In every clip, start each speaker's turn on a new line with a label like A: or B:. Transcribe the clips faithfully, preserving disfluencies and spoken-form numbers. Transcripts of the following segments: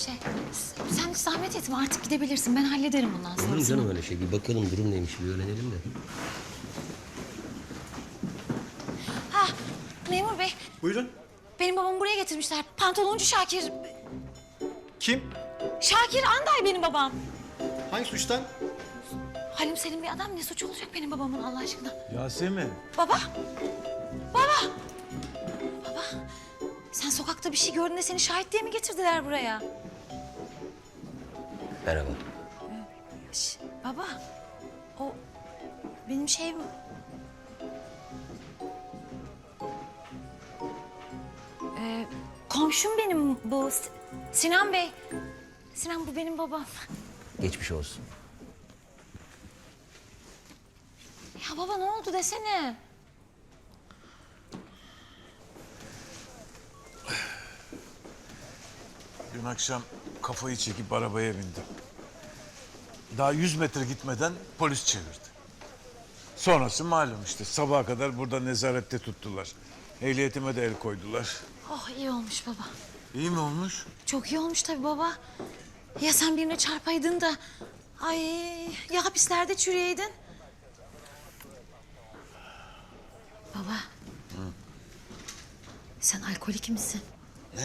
A: Şey, sen hiç zahmet etme artık gidebilirsin. Ben hallederim bundan
B: Olur mu
A: sonrasını.
B: canım öyle şey? Bir bakalım durum neymiş bir öğrenelim de.
A: Ha, memur bey.
C: Buyurun.
A: Benim babamı buraya getirmişler. Pantoloncu Şakir.
C: Kim?
A: Şakir Anday benim babam.
C: Hangi suçtan?
A: Halim Selim bir adam ne suç olacak benim babamın Allah aşkına?
C: Yasemin.
A: Baba. Baba. Baba. Sen sokakta bir şey gördün de seni şahit diye mi getirdiler buraya?
B: Merhaba.
A: Şş, baba. O benim şeyim... Ee, komşum benim bu S- Sinan Bey. Sinan bu benim babam.
B: Geçmiş olsun.
A: Ya baba ne oldu desene.
D: Dün akşam kafayı çekip arabaya bindim. Daha yüz metre gitmeden polis çevirdi. Sonrası malum işte sabaha kadar burada nezarette tuttular. Ehliyetime de el koydular.
A: Oh iyi olmuş baba.
D: İyi mi olmuş?
A: Çok iyi olmuş tabii baba. Ya sen birine çarpaydın da... Ay ya hapislerde çüreydin. Baba. Sen alkolik misin?
D: Ne?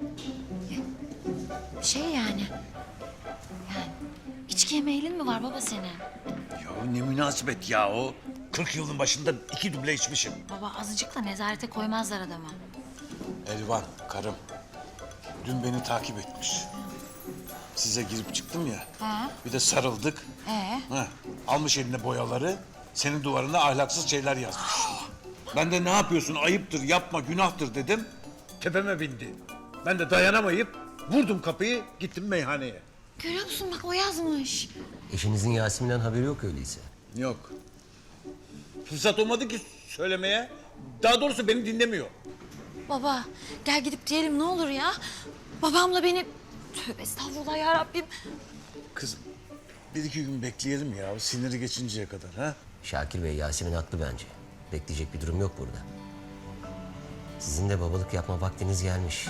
A: Ya, şey yani... Yani içkiye meylin mi var baba senin?
D: Ya ne münasebet ya o. kırk yılın başında iki duble içmişim.
A: Baba azıcıkla nezarete koymazlar adamı.
D: Elvan, karım. Dün beni takip etmiş. Size girip çıktım ya.
A: He.
D: Bir de sarıldık.
A: Ee?
D: Ha, almış eline boyaları, senin duvarına ahlaksız şeyler yazmış. Ben de ne yapıyorsun, ayıptır, yapma, günahtır dedim. Tepeme bindi. Ben de dayanamayıp vurdum kapıyı, gittim meyhaneye.
A: Görüyor musun bak o yazmış.
B: Eşinizin Yasemin'den haberi yok öyleyse.
D: Yok. Fırsat olmadı ki söylemeye. Daha doğrusu beni dinlemiyor.
A: Baba gel gidip diyelim ne olur ya. Babamla beni... Tövbe estağfurullah ya Rabbim.
D: Kızım, bir iki gün bekleyelim ya, siniri geçinceye kadar ha.
B: Şakir Bey Yasemin haklı bence. Bekleyecek bir durum yok burada. Sizin de babalık yapma vaktiniz gelmiş.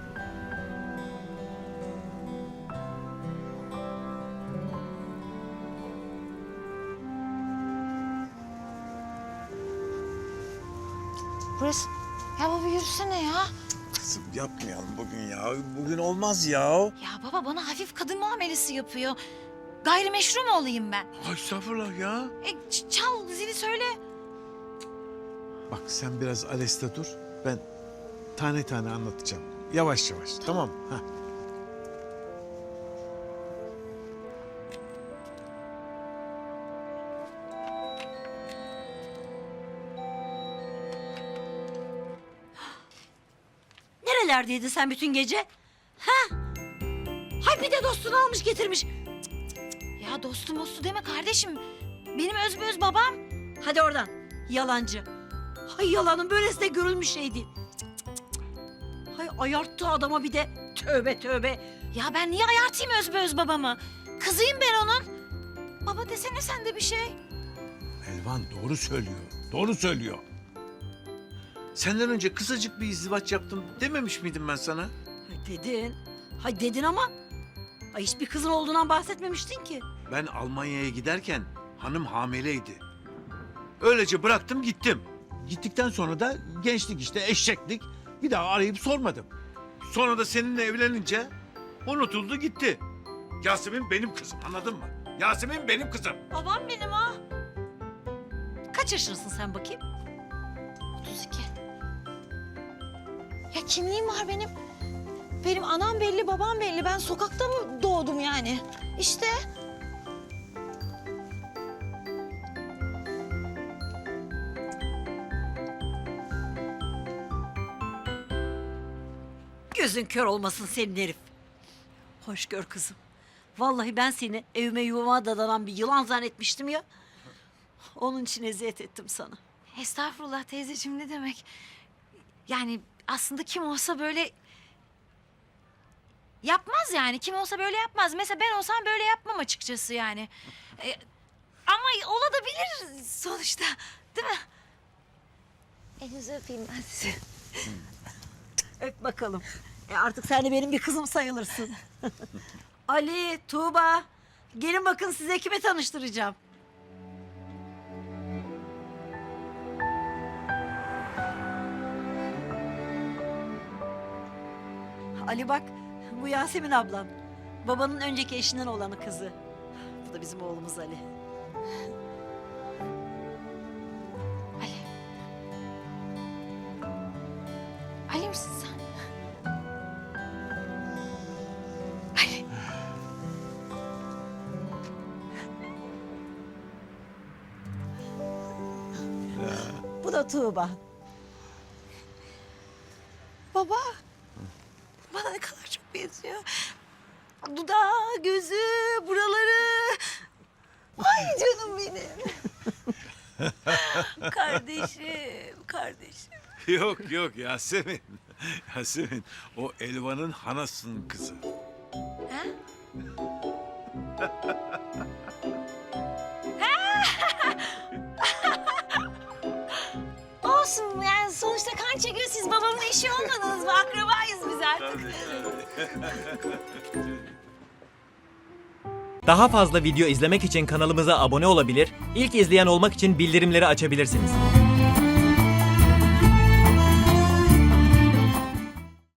A: Burası... Ya baba yürüsene ya.
D: Kızım yapmayalım bugün ya, bugün olmaz ya.
A: Ya baba bana hafif kadın muamelesi yapıyor. Gayrimeşru mu olayım ben?
D: Ay estağfurullah ya.
A: E, ç- çal zili söyle.
D: Bak sen biraz aleste dur. Ben tane tane anlatacağım. Yavaş yavaş. Tamam mı? Ha.
E: Nerelerdeydin sen bütün gece? Ha? Hay bir de dostunu almış getirmiş.
A: Ya dostum dostu deme kardeşim. Benim özböz babam.
E: Hadi oradan. Yalancı. Hay yalanın böylesi de görülmüş şey değil. Cık, cık, cık. Hay ayarttı adama bir de. Tövbe tövbe.
A: Ya ben niye ayartayım özböz babamı? Kızıyım ben onun. Baba desene sen de bir şey.
D: Elvan doğru söylüyor. Doğru söylüyor. Senden önce kısacık bir izdivaç yaptım dememiş miydim ben sana?
E: Hay dedin. Hay dedin ama. Ay hiçbir kızın olduğundan bahsetmemiştin ki.
D: Ben Almanya'ya giderken hanım hamileydi. Öylece bıraktım gittim. Gittikten sonra da gençlik işte eşeklik. Bir daha arayıp sormadım. Sonra da seninle evlenince unutuldu gitti. Yasemin benim kızım, anladın mı? Yasemin benim kızım.
A: Babam benim ha.
E: Kaç yaşındasın sen bakayım?
A: otuz iki. Ya kimliğim var benim. Benim anam belli, babam belli. Ben sokakta mı doğdum yani? İşte.
E: Gözün kör olmasın senin herif. Hoş gör kızım. Vallahi ben seni evime yuvama dadanan bir yılan zannetmiştim ya. Onun için eziyet ettim sana.
A: Estağfurullah teyzeciğim ne demek? Yani aslında kim olsa böyle... Yapmaz yani. Kim olsa böyle yapmaz. Mesela ben olsam böyle yapmam açıkçası yani. E, ama olabilir sonuçta. Değil mi? Elinizi öpeyim ben sizi.
E: Öp bakalım. E artık sen de benim bir kızım sayılırsın. Ali, Tuğba, gelin bakın size kime tanıştıracağım. Ali bak, bu Yasemin ablam. Babanın önceki eşinden olanı kızı. Bu da bizim oğlumuz Ali.
A: Ali. Ali misin sen? Ali.
E: Bu da Tuğba.
A: Baba. Bana ne kadar çok benziyor. Dudağı, gözü, buraları. Ay canım benim. Kardeşim, kardeşim.
D: Yok yok Yasemin. Yasemin o Elvan'ın hanasının kızı.
A: Ha? Olsun yani sonuçta kan çekiyor. Siz babamın eşi olmadınız mı? Akrabayız biz artık.
F: Daha fazla video izlemek için kanalımıza abone olabilir, ilk izleyen olmak için bildirimleri açabilirsiniz.